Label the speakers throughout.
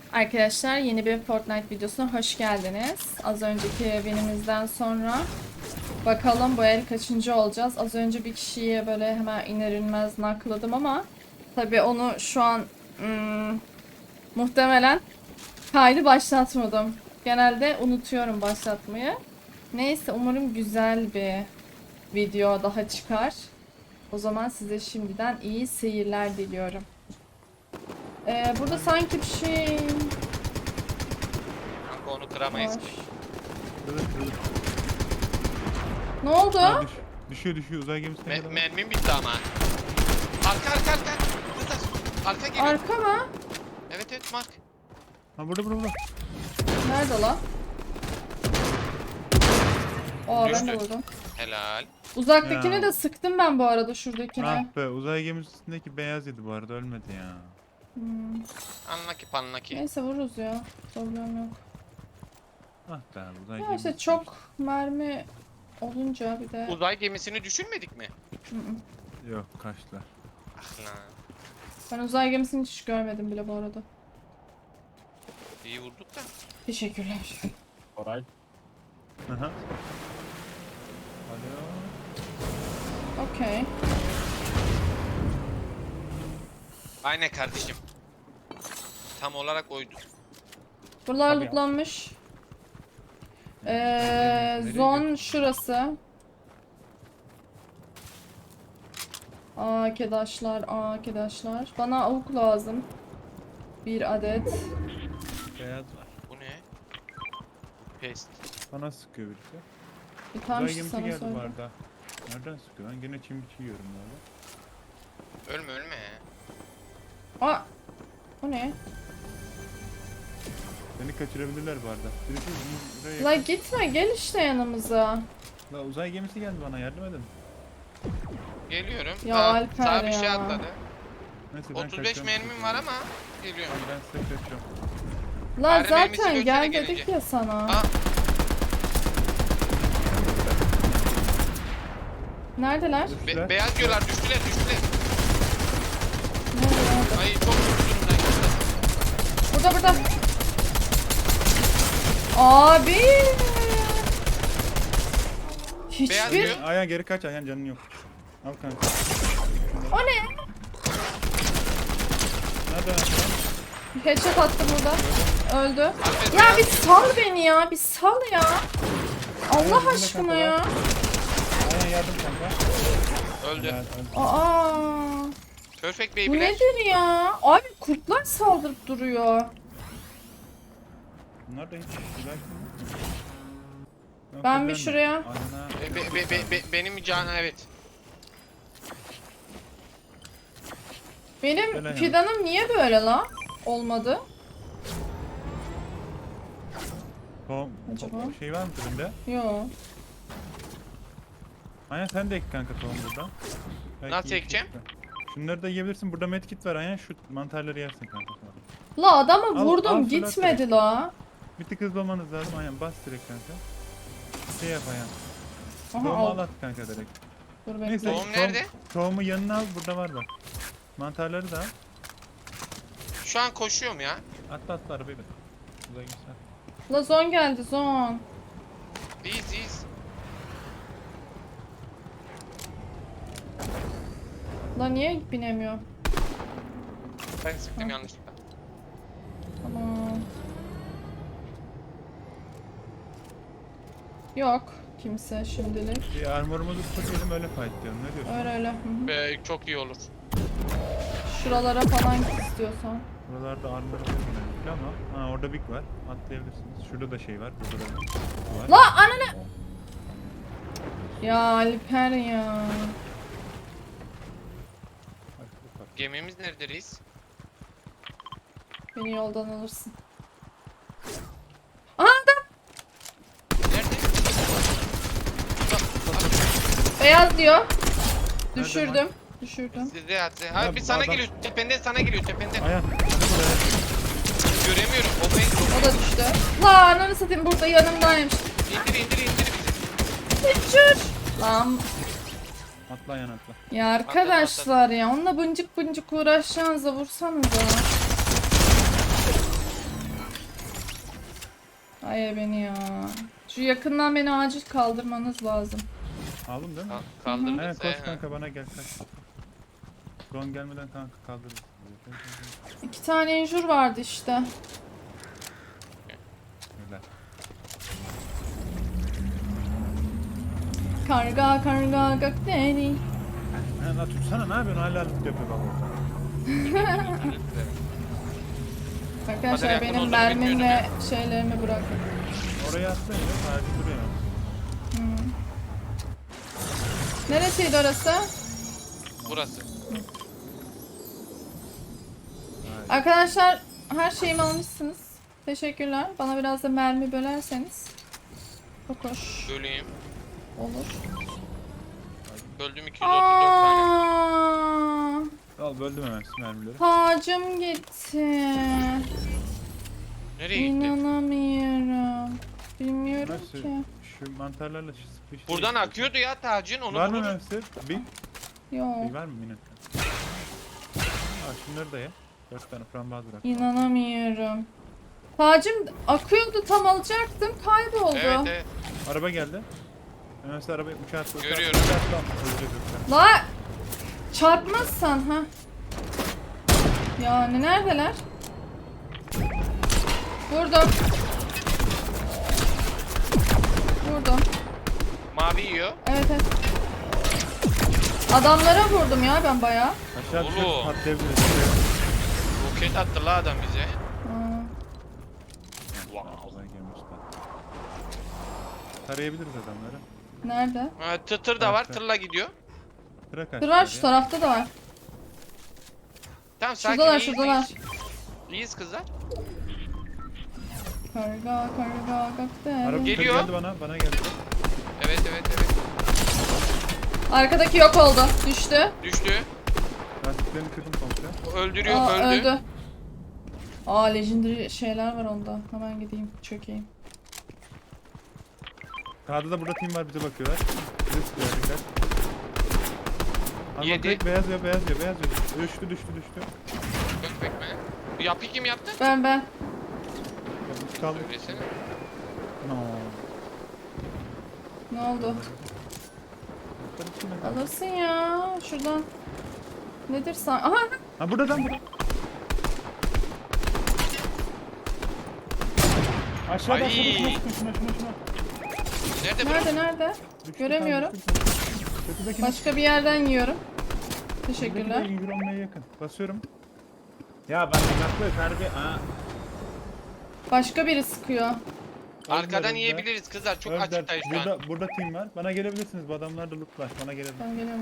Speaker 1: Arkadaşlar yeni bir Fortnite videosuna hoş geldiniz. Az önceki winimizden sonra bakalım bu el kaçıncı olacağız. Az önce bir kişiyi böyle hemen iner inmez nakladım ama tabii onu şu an muhtemelen kaydı başlatmadım. Genelde unutuyorum başlatmayı. Neyse umarım güzel bir video daha çıkar. O zaman size şimdiden iyi seyirler diliyorum. Burada sanki bir şey
Speaker 2: Kanka onu kıramayız
Speaker 1: var.
Speaker 2: ki.
Speaker 3: Kırılır.
Speaker 1: Ne oldu?
Speaker 3: Ha, düşüyor uzay gemisine kadar.
Speaker 2: Mermim bitti ama. Arka. Kızlar. Arka geliyor.
Speaker 1: Arka mı?
Speaker 2: Evet Mark.
Speaker 3: Ha burada.
Speaker 1: Nerede lan? Aa ben de
Speaker 2: Düştü.
Speaker 1: vurdum.
Speaker 2: Helal.
Speaker 1: Uzaktakini
Speaker 3: Ya.
Speaker 1: de sıktım ben bu arada şuradakine.
Speaker 3: Ah be, uzay gemisindeki beyaz yedi bu arada, ölmedi ya.
Speaker 2: Anlaki panlaki.
Speaker 1: Neyse vururuz ya. Problem yok.
Speaker 3: Ah be, uzay
Speaker 1: Ya
Speaker 3: gemisi.
Speaker 1: işte çok mermi olunca bir de...
Speaker 2: Uzay gemisini düşünmedik mi?
Speaker 3: Yok, kaçtılar.
Speaker 2: Ah lan.
Speaker 1: Ben uzay gemisini hiç görmedim bile bu arada.
Speaker 2: İyi vurduk da.
Speaker 1: Teşekkürler.
Speaker 4: Alright.
Speaker 3: Aha. Alo.
Speaker 1: Okey.
Speaker 2: Aynen kardeşim. Tam olarak oydu.
Speaker 1: Buralar
Speaker 4: Tabii ya.
Speaker 1: lootlanmış.
Speaker 3: Nereye
Speaker 1: Zon şurası. Arkadaşlar. Bana avuk lazım. Bir adet.
Speaker 3: Beyaz var.
Speaker 2: Bu ne? Pest.
Speaker 3: Bana sıkıyor birisi.
Speaker 1: Tam
Speaker 3: Uzay
Speaker 1: işte
Speaker 3: gemisi
Speaker 1: sana
Speaker 3: geldi bu
Speaker 1: söyledim.
Speaker 3: arada. Nereden sıkıyor? Ben gene çim biçi yiyorum böyle.
Speaker 2: Ölme.
Speaker 1: Aa! O ne?
Speaker 3: Beni kaçırabilirler bu arada. Birisi buraya
Speaker 1: La
Speaker 3: yakın.
Speaker 1: gitme gel işte yanımıza.
Speaker 3: La uzay gemisi geldi, bana yardım edin.
Speaker 2: Geliyorum.
Speaker 1: Ya
Speaker 2: Aa,
Speaker 1: Alper
Speaker 2: sağa bir
Speaker 1: ya.
Speaker 2: şey atladı.
Speaker 3: Neyse, ben
Speaker 2: 35
Speaker 3: kaçıyorum.
Speaker 2: mermim var ama geliyorum.
Speaker 3: Ben size kaçıyorum.
Speaker 1: La
Speaker 2: Harbi mermisi
Speaker 1: zaten gel
Speaker 2: götüne
Speaker 1: dedik
Speaker 2: gelince.
Speaker 1: ya sana.
Speaker 2: Aa,
Speaker 1: Neredeler?
Speaker 3: Düştüler.
Speaker 2: beyaz diyorlar düştüler.
Speaker 1: Nerede?
Speaker 2: Ay çok üzüldüm ben.
Speaker 1: Burada. Abi.
Speaker 2: Beyaz
Speaker 1: Hiçbir...
Speaker 2: diyor.
Speaker 3: Ayhan geri kaç, Ayhan canın yok. Al kanka.
Speaker 1: O ne?
Speaker 3: Nerede Ayhan?
Speaker 1: Headshot attım burada. Öldü.
Speaker 2: Alper,
Speaker 1: Ya
Speaker 2: beyaz.
Speaker 1: bir sal beni ya. Bir sal ya. Allah
Speaker 3: bizimle
Speaker 1: aşkına
Speaker 3: kanka
Speaker 1: ya.
Speaker 3: Ayhan yardım kanka.
Speaker 2: Öldü.
Speaker 3: Öldü.
Speaker 1: Aa.
Speaker 2: Perfect
Speaker 1: Bu
Speaker 2: baby'ler.
Speaker 1: nedir ya? Abi kurtlar saldırıp duruyor.
Speaker 3: Bunlar da hiç güzel.
Speaker 1: Ben bir şuraya-
Speaker 3: Ayhan'a
Speaker 2: Benim can evet.
Speaker 1: Benim
Speaker 3: Öyle yani.
Speaker 1: fidanım niye böyle la? Olmadı.
Speaker 3: tohum
Speaker 1: Acaba?
Speaker 3: şey var mı türünde?
Speaker 1: Yo.
Speaker 3: Ayhan sen de ek kanka tohum burada. Belki
Speaker 2: Nasıl
Speaker 3: iyi
Speaker 2: ekeceğim?
Speaker 3: çıktı. Şunları da yiyebilirsin. Burada medkit var Ayhan. Şu mantarları yersin kanka sonra.
Speaker 1: La adamı
Speaker 3: Al,
Speaker 1: vurdum
Speaker 3: al,
Speaker 1: gitmedi
Speaker 3: direkt.
Speaker 1: la.
Speaker 3: Bir tık hızlı olmanız lazım Ayhan. Bas direkt kanka. Şey yap Ayhan.
Speaker 1: Aha
Speaker 3: Tohumu
Speaker 1: al.
Speaker 3: al at kanka direkt.
Speaker 1: Dur
Speaker 3: Neyse.
Speaker 1: bekle.
Speaker 2: Tohum nerede?
Speaker 3: Tohumu yanına al. Burada var bak. Mantarları da al.
Speaker 2: Şu an koşuyorum ya.
Speaker 3: Atla arabayı bin. Uzay gitsin.
Speaker 1: La zon geldi zon.
Speaker 2: İyiyiz.
Speaker 1: La niye binemiyor?
Speaker 2: Ben sıktım yanlışlıkla.
Speaker 1: Tamam. Yok kimse şimdilik.
Speaker 3: Bir armorumuzu tutalım, öyle fight diyorum. Ne diyorsun?
Speaker 1: Öyle. Hı hı.
Speaker 2: Çok iyi olur.
Speaker 1: Şuralara falan git istiyorsan.
Speaker 3: Buralarda armor önemli ama orada big var. Atlayabilirsiniz. Şurada da şey var. Burada da var.
Speaker 1: La ananı. Ya Alper ya.
Speaker 2: Gemimiz nerede reis?
Speaker 1: Beni yoldan alırsın. Aha adam.
Speaker 2: Nerede?
Speaker 1: Beyaz diyor. Düşürdüm.
Speaker 2: Size at.
Speaker 3: Ya,
Speaker 2: Abi bir sana
Speaker 3: adam-
Speaker 2: geliyor. Tependen geliyor.
Speaker 3: Ayhan. Hadi buraya.
Speaker 2: Göremiyorum. O ben
Speaker 1: O da düştü. La ananı satayım burada yanımdaymış.
Speaker 2: indir bizi.
Speaker 1: Düşür. Lan.
Speaker 3: Atla Ayhan atla.
Speaker 1: Ya arkadaşlar ya onunla bıncık uğraşacağınıza vursanıza. beni ya. Şu yakından beni acil kaldırmanız lazım.
Speaker 3: Aldın değil mi?
Speaker 2: Kaldırdık.
Speaker 3: He koş kanka bana gel kaç. Drone gelmeden kanka kaldırırız.
Speaker 1: 2 tane injur vardı işte.
Speaker 3: Öyle.
Speaker 1: Karga karga gökdeni.
Speaker 3: He la tutsana ne yapıyorsun hala loot yapıyor bak orada.
Speaker 1: Arkadaşlar
Speaker 2: Hadi
Speaker 1: benim
Speaker 2: yakın
Speaker 1: mermim
Speaker 2: olsun,
Speaker 1: ve şeylerimi bırakın.
Speaker 3: Oraya attın ya sadece duruyor.
Speaker 1: Neresiydi orası?
Speaker 2: Burası.
Speaker 1: Arkadaşlar her şeyimi almışsınız. Teşekkürler. Bana biraz da mermi bölerseniz. Çok hoş
Speaker 2: Böleyim.
Speaker 1: olur.
Speaker 2: Böldüm 234 tane.
Speaker 1: Aa,
Speaker 3: Al böldüm hemen mermileri.
Speaker 1: tacım gitti.
Speaker 2: Nereye gitti?
Speaker 1: İnanamıyorum. Bilmiyorum
Speaker 3: Nasıl?
Speaker 1: ki.
Speaker 3: Şu mantarlarla sıkıştı.
Speaker 2: Buradan akıyordu ya tacın. Onu
Speaker 3: Var mı
Speaker 2: buluruz.
Speaker 3: Memsir? Bir
Speaker 1: Yok.
Speaker 3: var mı yine? Al şunları da ye. 4 tane frambaz bırak.
Speaker 1: İnanamıyorum. Tacım akıyordu, tam alacaktım, kayboldu.
Speaker 2: Evet evet.
Speaker 3: Araba geldi. Memsir arabayı uçağa attı.
Speaker 2: Görüyorum.
Speaker 3: Öleceğiz yoksa.
Speaker 1: La çarpmazsan ha. Yani neredeler? Vurdum. Vurdum.
Speaker 2: Mavi yiyor.
Speaker 1: Evet evet. Adamlara vurdum ya ben bayağı.
Speaker 3: Aşağı düşüp
Speaker 2: Oğlum.
Speaker 3: patlayabiliriz.
Speaker 2: Roket attı la adam bize.
Speaker 1: Aa,
Speaker 2: Wow.
Speaker 3: Olay gelmiş lan. Tarayabiliriz adamları.
Speaker 1: nerede?
Speaker 2: Ha, tır da var.
Speaker 3: Evet.
Speaker 2: Tırla gidiyor.
Speaker 3: Bırak
Speaker 1: Dur var, şu tarafta da var.
Speaker 2: Tamam sakin.
Speaker 1: Şuradalar,
Speaker 2: iyiyiz,
Speaker 1: şuradalar.
Speaker 2: iyiyiz. İyiyiz kızlar.
Speaker 1: Karga karga
Speaker 3: Araba
Speaker 1: gökdelen.
Speaker 2: Geliyor.
Speaker 3: geldi bana geldi.
Speaker 2: Evet evet evet.
Speaker 1: Arkadaki yok oldu. Düştü.
Speaker 2: Düştü.
Speaker 3: Lastiklerini kırdım komple.
Speaker 2: Öldürüyor.
Speaker 1: Aa,
Speaker 2: öldü.
Speaker 1: öldü. Aa, legendary şeyler var onda. Hemen gideyim, çökeyim.
Speaker 3: Sağda da burada team var bize bakıyorlar. Bize sıkıyorlar dikkat.
Speaker 2: Yedi.
Speaker 3: Direkt beyaz yiyor. Düştü.
Speaker 2: Dök bekme. Bu yapıyı kim yaptı?
Speaker 1: Ben.
Speaker 3: Ya biz kaldık.
Speaker 2: Söylesene.
Speaker 3: No.
Speaker 1: Ne oldu?
Speaker 3: Yukarı çıkın bakalım.
Speaker 1: Alırsın ya. Şuradan. Nedir sen? Aha!
Speaker 3: Ha buradan. Aşağıda
Speaker 2: Ay.
Speaker 3: şuna.
Speaker 2: Nerede bırak?
Speaker 1: Nerede?
Speaker 3: Düştü,
Speaker 1: Göremiyorum.
Speaker 3: tam düştü. Kötüdeki
Speaker 1: Başka bir yerden yiyorum.
Speaker 3: Teşekkürler.
Speaker 1: Teşekkürler.
Speaker 3: 100 olmaya yakın. Basıyorum. Ya ben uzaklığı terbiye.
Speaker 1: Başka biri sıkıyor.
Speaker 2: Arkadan
Speaker 3: Öldüler.
Speaker 2: yiyebiliriz kızlar. Çok
Speaker 3: Öldüler.
Speaker 2: açıktayız şu an.
Speaker 3: Burada team var. Bana gelebilirsiniz. Bu adamlar da loot var. Bana gelebilir.
Speaker 1: Ben geliyorum.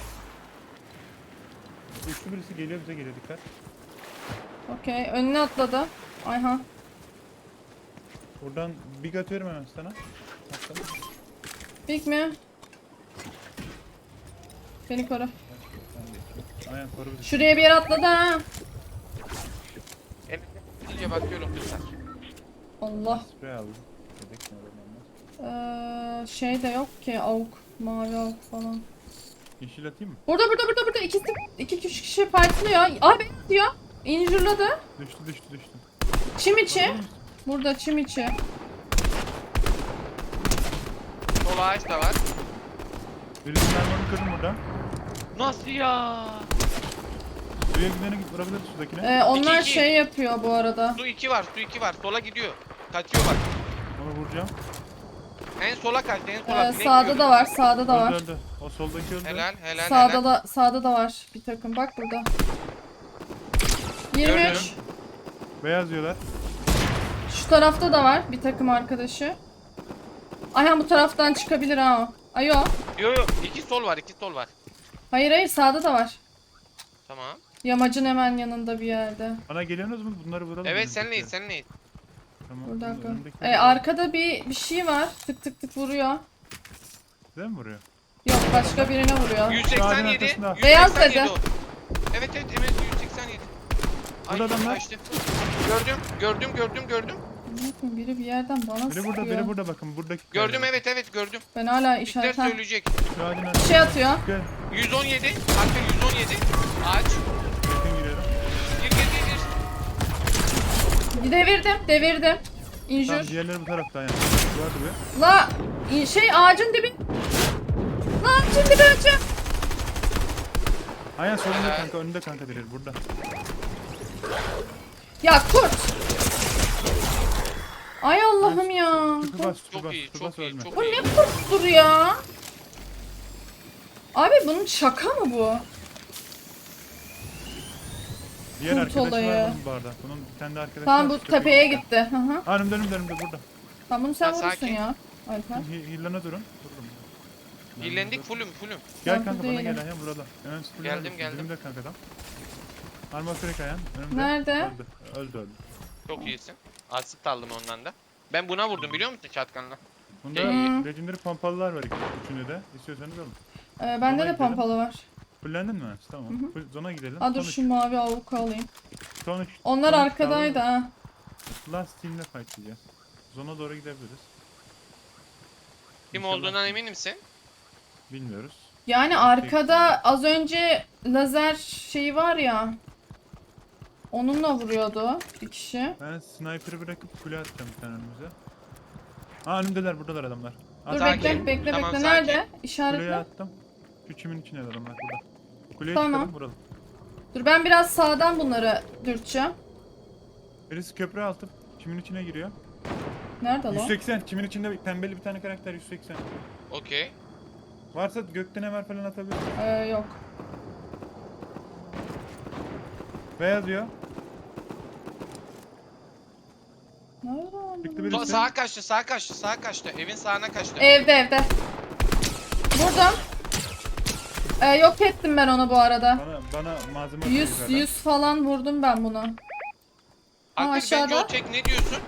Speaker 3: Üçlü birisi geliyor bize geliyor dikkat.
Speaker 1: Okey. Önüne atladı. Ayhan.
Speaker 3: Buradan big atıyorum hemen sana. Atladım.
Speaker 1: Big mi? Beni koru.
Speaker 3: Aynen koru bizi.
Speaker 1: Şuraya bir yere atladı ha.
Speaker 2: İyice bakıyorum kızlar.
Speaker 1: Allah.
Speaker 3: Sprey aldım. Dedik ne olur ne olmaz.
Speaker 1: Şey de yok ki. Avuk. Mavi avuk falan.
Speaker 3: Yeşil atayım mı?
Speaker 1: Burada. İki kişi fightlıyor. Ay beni atıyor. Injurladı.
Speaker 3: Düştü.
Speaker 1: Çim içi. Burada çim içi.
Speaker 2: Sol ağaç da var.
Speaker 3: Birisinin armorunu kırdım burada.
Speaker 2: Nasıl ya?
Speaker 3: Suya gideni vurabiliriz şuradakine.
Speaker 1: Onlar
Speaker 2: İki.
Speaker 1: şey yapıyor bu arada.
Speaker 2: Su 2 var. Su 2 var. Sola gidiyor. Kaçıyor bak.
Speaker 3: Onu vuracağım.
Speaker 2: En sola kaçtı. En sola. Direkt
Speaker 1: Sağda
Speaker 2: gidiyordu.
Speaker 1: da var. Sağda da var.
Speaker 3: Öldü. O soldaki öldü.
Speaker 2: Helal helal
Speaker 1: Sağda
Speaker 2: helal.
Speaker 1: da sağda da var bir takım. Bak burada. 23.
Speaker 2: Gördüm.
Speaker 3: Beyaz diyorlar.
Speaker 1: Şu tarafta da var bir takım arkadaşı. Ayhan bu taraftan çıkabilir ha o. Ayo.
Speaker 2: Yo yo. 2 sol var. 2 sol var.
Speaker 1: Hayır sağda da var.
Speaker 2: Tamam.
Speaker 1: Yamacın hemen yanında bir yerde.
Speaker 3: Bana geliyorsunuz mu? Bunları vuralım.
Speaker 2: Evet
Speaker 3: önümüzdeki.
Speaker 2: senleyiz senleyiz.
Speaker 3: Tamam.
Speaker 1: Burada arka.
Speaker 3: önümdeki-
Speaker 1: Arkada bir şey var. Tık tık tık vuruyor.
Speaker 3: Size mi vuruyor?
Speaker 1: Yok başka birine vuruyor.
Speaker 2: 187.
Speaker 3: arkasında.
Speaker 1: Beyaz
Speaker 2: 187
Speaker 1: dedi.
Speaker 2: o. Evet evet evet 187.
Speaker 3: Burada adamlar.
Speaker 2: kaçtı. Gördüm.
Speaker 1: Bakın biri bir yerden bana
Speaker 3: Biri
Speaker 1: sıkıyor.
Speaker 3: burada burada bakın. Buradaki.
Speaker 2: Gördüm evet gördüm.
Speaker 1: Ben hala
Speaker 2: Bitler
Speaker 1: işaretten
Speaker 2: söyleyecek.
Speaker 3: Şu ağacın
Speaker 1: bir
Speaker 3: arkasına
Speaker 1: şey atıyor.
Speaker 3: gel.
Speaker 2: 117. Arka 117. Ağaç.
Speaker 3: Yakın giriyorum.
Speaker 2: Gir.
Speaker 1: Devirdim.
Speaker 3: Tamam
Speaker 1: injur.
Speaker 3: diğerleri bu tarafta yani. Duvar dibi.
Speaker 1: La şey ağacın dibi. La ağacın dibi açım.
Speaker 3: Aynen solunda kanka, önünde kanka direkt burada.
Speaker 1: Ya kurt. Ay Allah'ım ya.
Speaker 3: Tüpü bas, tüpü
Speaker 2: Çok
Speaker 3: bas,
Speaker 2: iyi,
Speaker 3: tüpü
Speaker 2: çok
Speaker 3: bas
Speaker 2: iyi,
Speaker 3: ölme.
Speaker 2: çok
Speaker 1: Bu
Speaker 2: iyi.
Speaker 1: ne kurttur ya? Abi bunun şaka mı bu?
Speaker 3: Diğer
Speaker 1: Kurt
Speaker 3: arkadaşı
Speaker 1: olayı.
Speaker 3: var bunun bu arada. Bunun bir tane de arkadaşı
Speaker 1: Tamam
Speaker 3: var,
Speaker 1: bu
Speaker 3: tepeye
Speaker 1: tepeye
Speaker 3: gitti.
Speaker 1: gitti. Hı hı.
Speaker 3: Aa, önümde burada.
Speaker 1: Tamam bunu sen
Speaker 2: Ya,
Speaker 1: vurursun
Speaker 2: sakin.
Speaker 1: ya. Alper.
Speaker 3: Hillana durun. Vururum.
Speaker 2: Hillendik fullüm.
Speaker 3: Gel
Speaker 1: Ben
Speaker 3: kanka
Speaker 1: burada
Speaker 3: bana gel
Speaker 1: değilim.
Speaker 3: ayağım burada. Hemen
Speaker 2: Geldim.
Speaker 3: Dibimde kanka adam. Arma kırık ayağım. Önümde.
Speaker 1: Nerede?
Speaker 3: Öldü.
Speaker 2: Çok iyisin. Asist aldım ondan da. Ben buna vurdum biliyor musun şatkanla?
Speaker 3: Bunda
Speaker 1: Hı.
Speaker 3: legendary pompalılar var üçünde de. İstiyorsanız alın.
Speaker 1: Bende
Speaker 3: Zona
Speaker 1: de
Speaker 3: gidelim.
Speaker 1: pompalı var.
Speaker 3: Fullendin mi? Tamam. Zona gidelim.
Speaker 1: Aa dur
Speaker 3: Son üç.
Speaker 1: şu mavi avuku alayım.
Speaker 3: Son üç.
Speaker 1: Onlar
Speaker 3: Son üç
Speaker 1: arkadaydı
Speaker 3: kaldı.
Speaker 1: ha.
Speaker 3: Last team'le fightlayacağız. Zona doğru gidebiliriz.
Speaker 2: Kim
Speaker 3: İnşallah.
Speaker 2: olduğundan emin misin?
Speaker 3: Bilmiyoruz.
Speaker 1: Yani arkada az önce lazer şeyi var ya. Onunla vuruyordu bir kişi.
Speaker 3: Ben sniper'ı bırakıp kule atacağım bir tane önümüze. Aa önümdeler, buradalar adamlar.
Speaker 1: Dur
Speaker 2: Sakin.
Speaker 1: bekle
Speaker 2: Tamam,
Speaker 1: bekle.
Speaker 2: sakin.
Speaker 1: Nerede?
Speaker 3: Kuleye
Speaker 1: İşaretle.
Speaker 3: attım. Şu çimin içine adamlar burada. Kuleye
Speaker 1: Tamam.
Speaker 3: çıkalım vuralım.
Speaker 1: Dur ben biraz sağdan bunları dürteceğim.
Speaker 3: Birisi köprü altı çimin içine giriyor.
Speaker 1: Nerede lan?
Speaker 3: 180 çimin içinde pembeli bir tane karakter 180.
Speaker 2: Okey.
Speaker 3: Varsa gökten emer falan atabilir.
Speaker 1: Yok.
Speaker 3: Beyaz diyor.
Speaker 1: Nerede lan?
Speaker 3: Çıktı
Speaker 1: bu?
Speaker 3: birisi.
Speaker 2: Sağa kaçtı. Evin sağına kaçtı.
Speaker 1: Evde. Vurdum. Yok ettim ben onu bu arada.
Speaker 3: Bana malzeme atıyor
Speaker 1: 100
Speaker 3: yukarıdan.
Speaker 1: 100 falan vurdum ben buna.
Speaker 2: Alper bence
Speaker 1: aşağıda.
Speaker 2: o tek ne diyorsun?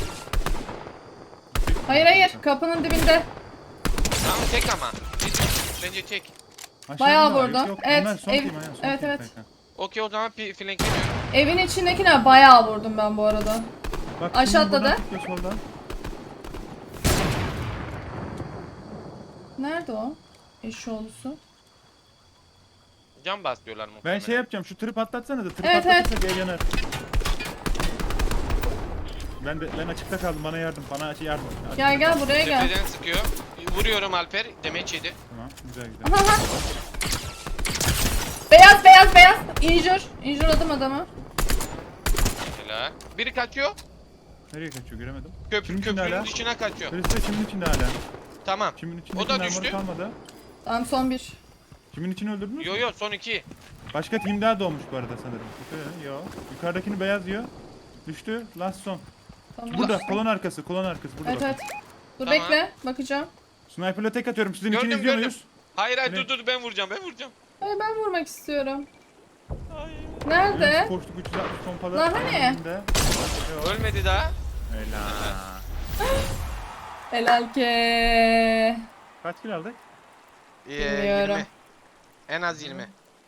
Speaker 1: Hayır kapının dibinde.
Speaker 2: Tamam tek ama. Bence tek.
Speaker 3: Aşağıda
Speaker 1: Bayağı
Speaker 3: var,
Speaker 1: vurdum.
Speaker 3: yok.
Speaker 1: Evet,
Speaker 3: Bunlar son
Speaker 1: ev-
Speaker 3: team, aynen, son
Speaker 1: evet,
Speaker 3: team
Speaker 1: evet.
Speaker 3: kanka.
Speaker 2: Okey o zaman flankleniyorum.
Speaker 1: Evin içindekine bayağı vurdum ben bu arada.
Speaker 3: Bak,
Speaker 1: Aşağı
Speaker 3: şimdi buradan
Speaker 1: atladı.
Speaker 3: çıkıyor soldan.
Speaker 1: Nerede o? Eşoğlusu.
Speaker 2: Cam bas diyorlar muhtemelen.
Speaker 3: Ben şey yapacağım, şu tırı patlatsana da tırı
Speaker 1: Evet,
Speaker 3: patlatırsak ev yanar. Ben açıkta kaldım, bana yardım.
Speaker 1: Gel buraya gel.
Speaker 2: Tepeden sıkıyor. Vuruyorum Alper. Demeç yedi.
Speaker 3: Tamam, güzel.
Speaker 1: Aha. Beyaz. İnjurladım adamı.
Speaker 2: Helal. Biri kaçıyor.
Speaker 3: Nereye kaçıyor göremedim.
Speaker 2: Köprünün
Speaker 3: içinde hala.
Speaker 2: dışına kaçıyor.
Speaker 3: Birisi de çimin içinde hala.
Speaker 2: Tamam.
Speaker 3: Çimin içinde
Speaker 2: O da
Speaker 3: armoru
Speaker 2: düştü.
Speaker 3: kalmadı.
Speaker 1: Tamam son bir.
Speaker 3: Çimin içini öldürdünüz mü?
Speaker 2: Yo son 2.
Speaker 3: Başka team daha doğmuş bu arada sanırım. Yo. Yukarıdakini beyaz diyor. Düştü. Last son.
Speaker 1: Tamam.
Speaker 3: Burada kolon arkası burada.
Speaker 1: Evet
Speaker 3: bakın.
Speaker 1: evet. Dur
Speaker 2: Tamam.
Speaker 1: bekle bakacağım.
Speaker 3: Sniper'la tek atıyorum. Sizin için
Speaker 2: Gördüm,
Speaker 3: izliyor
Speaker 2: gördüm.
Speaker 3: muyuz?
Speaker 2: Hayır
Speaker 3: Ne?
Speaker 2: dur ben vuracağım.
Speaker 1: Hayır ben vurmak istiyorum.
Speaker 2: Hayır.
Speaker 1: Nerede?
Speaker 3: Evet, koştuk 360 pompada.
Speaker 1: Lan hani?
Speaker 3: Önünde. Yo.
Speaker 2: Ölmedi daha.
Speaker 3: Helal.
Speaker 1: Helal ke.
Speaker 3: Kaç kill aldık?
Speaker 1: Bilmiyorum.
Speaker 2: 20. En az 20.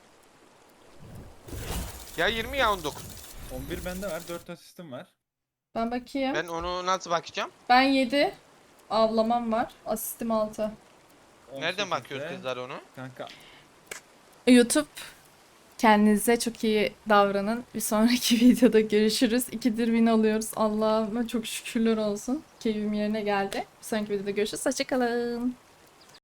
Speaker 2: Ya 20 ya 19.
Speaker 3: 11 bende var. 4 asistim var.
Speaker 1: Ben bakayım.
Speaker 2: Ben onu nasıl bakacağım?
Speaker 1: Ben 7. Avlamam var. Asistim 6.
Speaker 2: Nereden
Speaker 3: 18'de
Speaker 2: bakıyoruz kızlar onu?
Speaker 3: Kanka.
Speaker 1: YouTube. Kendinize çok iyi davranın. Bir sonraki videoda görüşürüz. 2'dir win alıyoruz. Allah'ıma çok şükürler olsun. Keyfim yerine geldi. Bir sonraki videoda görüşürüz. Hoşçakalın.